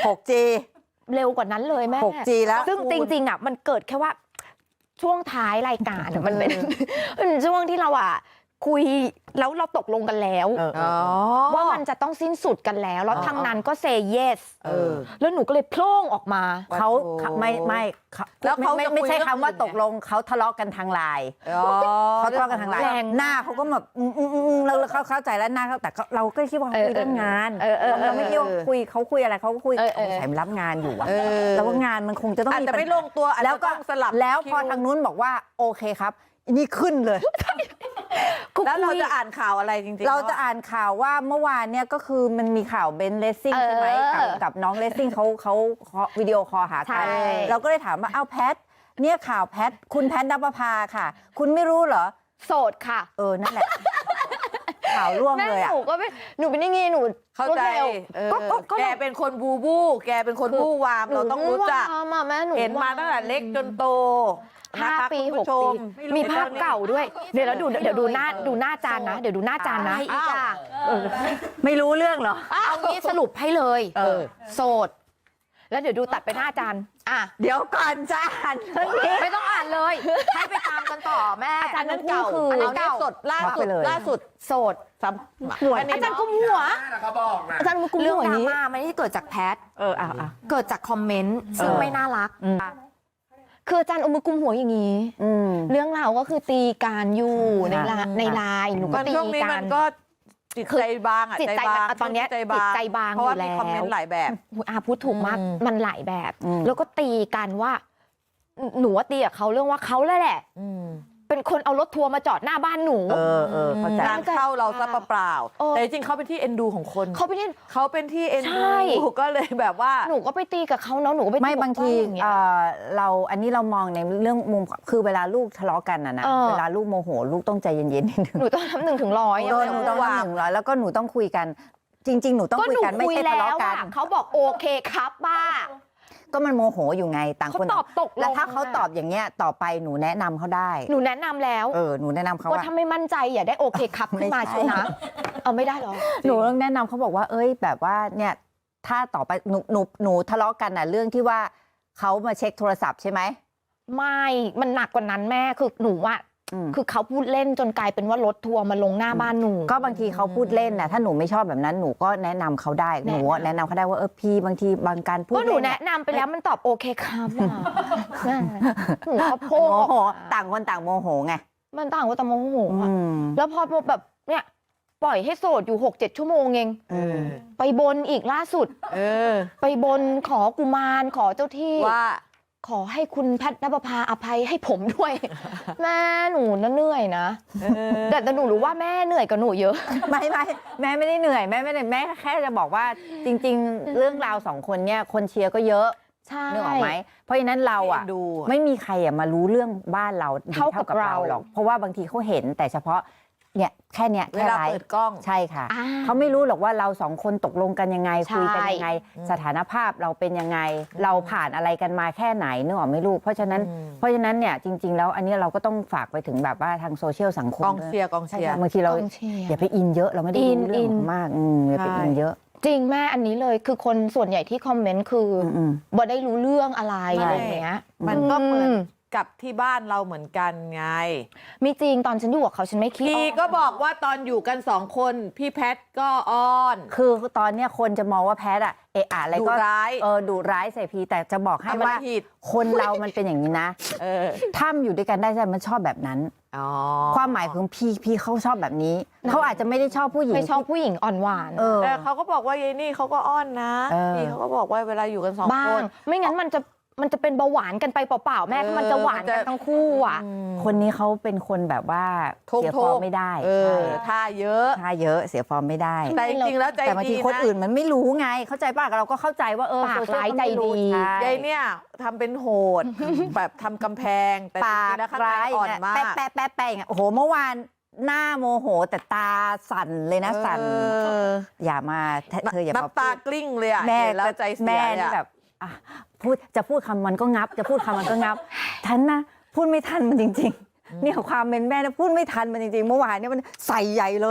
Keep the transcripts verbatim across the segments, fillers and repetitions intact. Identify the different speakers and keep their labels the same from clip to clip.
Speaker 1: หกจี
Speaker 2: เร็วกว่านั้นเลยแม่
Speaker 1: หกจี แล้ว
Speaker 2: ซึ่งจริงๆอ่ะมันเกิดแค่ว่าช่วงท้ายรายการมันเป็นช่วงที่เราอ่ะคุยแล้วเราตกลงกันแล้วว่ามันจะต้องสิ้นสุดกันแล้วแล้วทางนั้นก็เซย์เยสแล้วหนูก็เลยโพล่งออกมา
Speaker 1: เขาไม่ไม่แล้วเขาไม่ไม่ใช่คำว่าตกลงเขาทะเลาะกันทางไลน์เขาทะเลาะกันทางไลน์หน้าเขาก็แบบเราเขาเข้าใจแล้วหน้าเขาแต่เราก็คิดว่าเขาคุยเรื่องงานเราไม่คิดว่าคุยเขาคุยอะไรเขาก็คุยใส่รับงานอยู่อะแล้วว่างานมันคงจะต้องมีแต่ไม่ลงตัวแล้วก็สลับแล้วพอทางนู้นบอกว่าโอเคครับนี่ขึ้นเลย
Speaker 3: แล้วเราจะอ่านข่าวอะไรจริงๆ
Speaker 1: เราจะอ่านข่าวว่าเมื่อวานเนี่ยก็คือมันมีข่าวเบนเลสซิ่งใช่ไหมกับกับน้องเลสซิ่งเขาเขาวิดีโอคอลหากันเราก็เลยถามว่าอ้าวแพทเนี่ยข่าวแพทคุณแพทณปภาค่ะคุณไม่รู้เหรอ
Speaker 2: โสดค่ะ
Speaker 1: เออนั่นแหละข่าวร่วงเลยอ่ะ
Speaker 2: หนูก็ไม่หนูเป็นยังไงหนู
Speaker 3: เข้าใจแกเป็นคนบูบูแกเป็นคนบู้วามเราต้องรู้จักเห็นมาตั้งแต่เล็กจนโต
Speaker 2: ห้าปีหกปีมีภาพเก่าด้วยเดี๋ยวแล้วดูเดี๋ยวดูหน้าดูหน้าจานนะเดี๋ยวดูหน้าจานนะ
Speaker 1: อีกอ่ะไม่รู้เรื่องเหรอ
Speaker 2: เอางี้สรุปให้เลยโสดแล้วเดี๋ยวดูตัดไปหน้าจาน
Speaker 1: อ่ะเดี๋ยวก่อนจะอ่านเรื่องนี้
Speaker 2: ไม่ต้องอ่านเลยให้ไปตามกันต่อแม่
Speaker 3: อาจารย์นั้นเก่าอันนี้เก่าสดล่าสุดล่าสุด
Speaker 2: โสด
Speaker 3: หัว
Speaker 2: อาจารย์กุมหัวอาจารย์กุมหัวเรื่องดราม่าไม่ได้เกิดจากแพท
Speaker 1: เอออ่ะ
Speaker 2: เกิดจากคอมเมนต์ซึ่งไม่น่ารักคืออาจารย์เอามือกุมหัวอย่างนี้เรื่องราวก็คือตีการอยู่ในในไลน์หนูก็ตีกัน
Speaker 3: ก็จิตใจบางอ่ะ
Speaker 2: จิตใจตอนนี้จิตใจบางอยู่แล้ว
Speaker 3: เพราะว่ามีคอมเมนต์หลายแบบ
Speaker 2: อาพูดถูกมากมันหลายแบบแล้วก็ตีกันว่าหนูว่าตีกับเขาเรื่องว่าเขาแหละเป็นคนเอารถทัวร์มาจอดหน้าบ้านหนู
Speaker 1: เออเออเข้าใจ
Speaker 3: การเข้าเราซะเปล่าแต่จริงเขาเป็นที่เอ็นดูของคน
Speaker 2: เขาเป็นที่
Speaker 3: เขาเป็นที่เอ็นดูก็เลยแบบว่า
Speaker 2: หนูก็ไปตีกับเขาเนาะหนูก็ไป
Speaker 1: ไม่บางทีเราอันนี้เรามองในเรื่องมุมคือเวลาลูกทะเลาะกันนะนะเวลาลูกโมโหลูกต้องใจเย็นๆนิดนึง
Speaker 2: หนูต้องทำหนึ่งถึงร้อย
Speaker 1: หนูต้องทำหนึ่งร้อยแล้วก็หนูต้องคุยกันจริงๆหนูต้องคุยกันไม่ใช่ทะเลาะกัน
Speaker 2: เขาบอกโอเคครับบ้า
Speaker 1: ก็มันโมโหอยู่ไงต่างคน
Speaker 2: ตอบตก
Speaker 1: แล้วถ้าเขาตอบอย่างเงี้ยต่อไปหนูแนะนำเขาได้
Speaker 2: หนูแนะนำแล้ว
Speaker 1: เออหนูแนะนำเขา
Speaker 2: ว่าถ้าไม่มั่นใจอย่าได้โอเคครับขึ้นมาใช่นะเอาไม่ได้หรอ
Speaker 1: หนูต้องแนะนำเขาบอกว่าเอ้ยแบบว่าเนี่ยถ้าต่อไปหนูหนูหนูทะเลาะกันน่ะเรื่องที่ว่าเขามาเช็คโทรศัพท์ใช่ไหม
Speaker 2: ไม่มันหนักกว่านั้นแม่คือหนูว่าคือเขาพูดเล่นจนกลายเป็นว่ารถทัวร์มาลงหน้าบ้านหนู
Speaker 1: ก็บางทีเขาพูดเล่นนะถ้าหนูไม่ชอบแบบนั้นหนูก็แนะนำเขาได้หนูแนะนำเขาได้ว่าเออพี่บางทีบางการพูด
Speaker 2: ก็หนูแนะนำไปแล้วมันตอบโอเคครับหนูเขาโพโม
Speaker 1: โหต่างคนต่างโมโหไง
Speaker 2: มันต่างคนต่างโมโหแล้วพอแบบเนี่ยปล่อยให้โสดอยู่หกเจ็ดชั่วโมงเองไปบนอีกล่าสุดไปบนขอกุมารขอเจ้าที่
Speaker 3: ว่า
Speaker 2: ขอให้คุณแพทณปภาอภัยให้ผมด้วยแม่หนูน่ะเหนื่อยนะแต่แต่หนูรู้ว่าแม่เหนื่อยกับหนูเยอะ
Speaker 1: ไม่ไม่แม่ไม่ได้เหนื่อยแม่ไม่ได้แม่แค่จะบอกว่าจริงๆเรื่องราวสองคนเนี่ยคนเชียร์ก็เยอะ
Speaker 2: ใช่
Speaker 1: นึกออกไหมเพราะฉะนั้นเราอ่ะไม่มีใครอ่ะมารู้เรื่องบ้านเราเท่ากับเราหรอกเพราะว่าบางทีเขาเห็นแต่เฉพาะเนี่ยแค่เนี้ย
Speaker 3: เวลาเปิดกล้อง
Speaker 1: ใช่ค่ะเขาไม่รู้หรอกว่าเราสองคนตกลงกันยังไงคุยกันยังไงสถานภาพเราเป็นยังไงเราผ่านอะไรกันมาแค่ไหนนึกออกไหมลูกเพราะฉะนั้นเพราะฉะนั้นเนี่ยจริงๆแล้วอันนี้เราก็ต้องฝากไปถึงแบบว่าทางโซเชียลสังคม
Speaker 3: กองเชียร์กองเชียร์
Speaker 1: บางทีเราอย่าไปอินเยอะเราไม่ได้อินเรื่องมากอย่าไปอินเยอะ
Speaker 2: จริงแม่อันนี้เลยคือคนส่วนใหญ่ที่คอมเมนต์คือบ่ได้รู้เรื่องอะไรอะไรอย่างเงี้ย
Speaker 3: มันก็เหมือนกับที่บ้านเราเหมือนกันไง
Speaker 2: มีจริงตอนฉันอยู่กับเขาฉันไม่คิด
Speaker 3: พี่ก็บอกว่าตอนอยู่กันสองคนพี่แพทก็อ้อน
Speaker 1: คือตอนเนี้ยคนจะมองว่าแพทอะเอะอะไรก็
Speaker 3: ร้าย
Speaker 1: เออดุร้ายใส่พีแต่จะบอกให้ว่าคนเรามันเป็นอย่างนี้นะถ้ามันอยู่ด้วยกันได้ใช่มันชอบแบบนั้นความหมายคือพี่พี่เขาชอบแบบนี้เขาอาจจะไม่ได้ชอบผู้หญิง
Speaker 2: ไม่ชอบผู้หญิงอ่อนหวาน
Speaker 3: แต่เขาก็บอกว่ายายนี่เขาก็อ้อนนะพี่เขาก็บอกว่าเวลาอยู่กันสองคน
Speaker 2: ไม่งั้นมันจะมันจะเป็นเบาหวานกันไปเปล่าๆแม่มันจะหวานกันทั้งคู่อ่ะ
Speaker 1: คนนี้เขาเป็นคนแบบว่าเสียฟอร์มไม่ได้
Speaker 3: ท่าเยอะ
Speaker 1: ท่าเยอะเสียฟอร์มไม่ได้
Speaker 3: แต่จริงๆแล้วใจดีนะ
Speaker 1: แต่บางทีคนอื่นมันไม่รู้ไงเข้าใจป่ะเราก็เข้าใจว่าเออ
Speaker 2: ปากร้ายใจดี
Speaker 3: ยายเนี่ยทำเป็นโหดแบบทำกำแพงแต่
Speaker 1: ปากร้าย
Speaker 3: อ่อนมาก
Speaker 1: แป๊ะแป๊ะแป๊ะแป๊ะโอ้โหเมื่อวานหน้าโมโหแต่ตาสั่นเลยนะสั่นอย่ามาเธออย่า
Speaker 3: น้ำตากลิ้งเลยอ่ะ
Speaker 1: แม่
Speaker 3: แล้วใจเสียแม่
Speaker 1: นี่แบบพูดจะพูดคำมันก็งับจะพูดคำมันก็งับทันนะพูดไม่ทันมันจริงๆเนี่ยความเป็นแม่นะพูดไม่ทันมันจริงๆเมื่อวานเนี่ยมันใส่ใหญ่เลยอ่ะ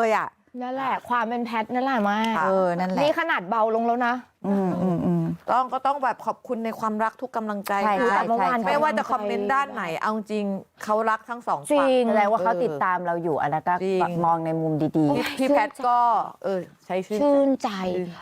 Speaker 2: นั่นแหละความเป็นแพทนั่นแหละมาก
Speaker 1: เออนั่นแหละ
Speaker 2: นี่ขนาดเบาลงแล้วนะ
Speaker 1: อืมอืมอืม
Speaker 3: ต้องก็ต้องแบบขอบคุณในความรักทุกกำลังใจ
Speaker 1: ใช่
Speaker 3: คือ
Speaker 1: ใช่
Speaker 2: แต่เมื่อวาน
Speaker 1: ใช่
Speaker 3: ไม่ว่าจะคอมเมนต์ด้านไหนเอาจริงเขารักทั้งสอง
Speaker 2: จริ
Speaker 3: ฝั่ง
Speaker 2: ง
Speaker 1: แสดงว่าเขาติดตามเราอยู่อันนั้นก็
Speaker 3: จริง
Speaker 1: มองในมุมดี
Speaker 3: พี่พี่แพทย์ก็ เออ ใช้ชื่นใจ
Speaker 2: ชื่นใจ